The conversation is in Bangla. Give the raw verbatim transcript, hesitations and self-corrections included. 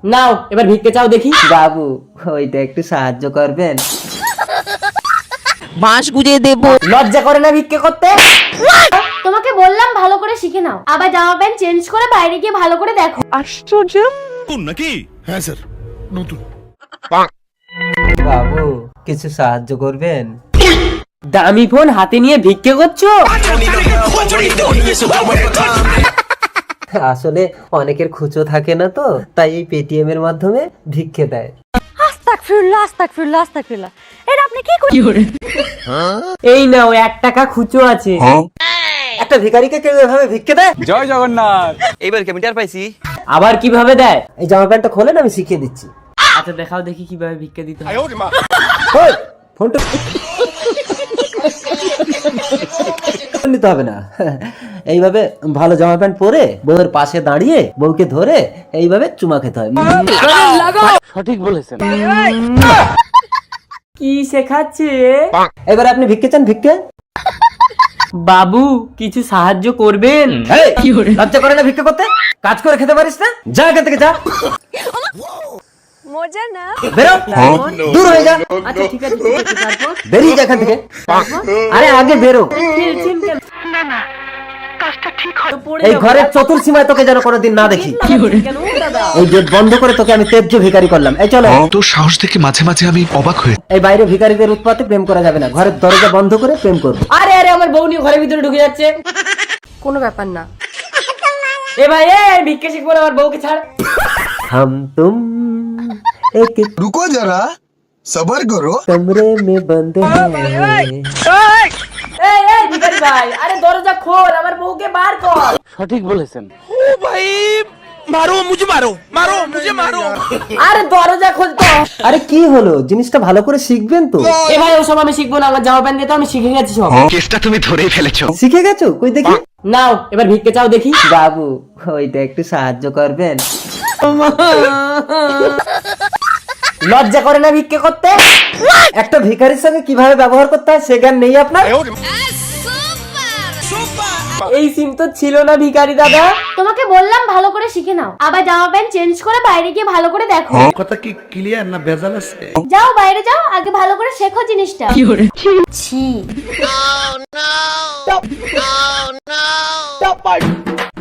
নাও এবার ভিক্ষে চাও দেখি। বাবু ওইটা একটু সাহায্য করবেন? বাঁশ গুজে দেবো। লজ্জা করে না ভিক্ষে করতে? তোমাকে বললাম ভালো করে শিখে নাও, আবার জামা প্যান্ট চেঞ্জ করে বাইরে গিয়ে ভালো করে দেখো। আশ্চর্য। নাকি? হ্যাঁ স্যার, নতুন। বাবু কিছু সাহায্য করবেন? দামি ফোন হাতে নিয়ে ভিক্ষে করছো? আসলে অনেকের খুচো থাকে না তো, তাই এই পেটিএম এর মাধ্যমে ভিক্ষে দেয়। আস্তাগফিরুল্লাহ আস্তাগফিরুল্লাহ আস্তাগফিরুল্লাহ। এটা আপনি কি করছেন? এই নাও এক টাকা খুচো আছে। একটা ভিখারিকে কেউ এভাবে ভিক্ষে দেয়? জয় জগন্নাথ। এইবার কি আমি টের পাইছি? আবার কিভাবে দেয়? এই জামা প্যান্টটা খোলেন, আমি শিখিয়ে দিচ্ছি। আচ্ছা দেখাও দেখি কিভাবে ভিক্ষে দিতে হয়। ওই, ফোনটা নিতে হবে না। এইভাবে ভালো জামা প্যান্ট পরে বউয়ের পাশে দাঁড়িয়ে বউকে ধরে এইভাবে চুমা খেতে হয়। সঠিক বলেছেন। কি শেখাচ্ছে? এবার আপনি ভিক্ষে চান? ভিক্ষে বাবু কিছু সাহায্য করবেন? এই, লজ্জা করে না ভিক্ষে করতে? কাজ করে খেতে পারিস না? যা এখান থেকে যা, মজা না। বেরো, দূর হয়ে যা। আচ্ছা ঠিক আছে ঠিক আছে, তারপর? বেরিয়ে যা এখান থেকে। আরে আগে বেরো। খেলছেন কেন? তো পড়ে এই যাবো। ঘরের চতুর সীমায় তোকে যেন কোনোদিন না দেখি। কেন দাদা? এই গেট বন্ধ করে তোকে আমি তেজ্য ভিখারি করলাম। এই চলো। তোর সাহস দেখে মাঝে মাঝে আমি অবাক হয়ে এই বাইরে ভিখারিদের উৎপাতে প্রেম করা যাবে না, ঘরের দরজা বন্ধ করে প্রেম করবো। আরে আরে আমার বউ নিয়ে ঘরের ভিতরে ঢুকে যাচ্ছে। কোনো ব্যাপার না। এ ভাই এ ভিক্ষে শিখবো না, আমার বউকে ছাড়। हम तुम एक রুকো যারা, সবার করো। कमरे में बंद हैं। এই এই ভিখারি ভাই, আরে দরজা খোল, আমার বউকে বার কর। সঠিক বলেছেন। আরে দরজা খোল তো। আরে কি হলো, জিনিসটা ভালো করে শিখবেন তো? এ ভাই ওসব আমি শিখবো না, আমার জামা প্যান্ট দিয়ে তো আমি শিখে গেছি সব। কেসটা তুমি ধরেই ফেলেছো। শিখে গেছো? কই দেখি। নাও এবার ভিক্ষে চাও দেখি। বাবু ওইটা একটু সাহায্য করবেন? লজ্জা করে না ভিক্ষে করতে? একটা ভিখারির সঙ্গে কিভাবে ব্যবহার করতে হয় সে জ্ঞান নেই আপনার? এই সিম তো ছিল না ভিখারি দাদা। তোমাকে বললাম ভালো করে শিখে নাও, আবার জামা প্যান্ট চেঞ্জ করে বাইরে গিয়ে ভালো করে দেখো। কথা কি ক্লিয়ার না ভেজাল আছে? যাও বাইরে যাও, আগে ভালো করে শেখো জিনিসটা। ছি।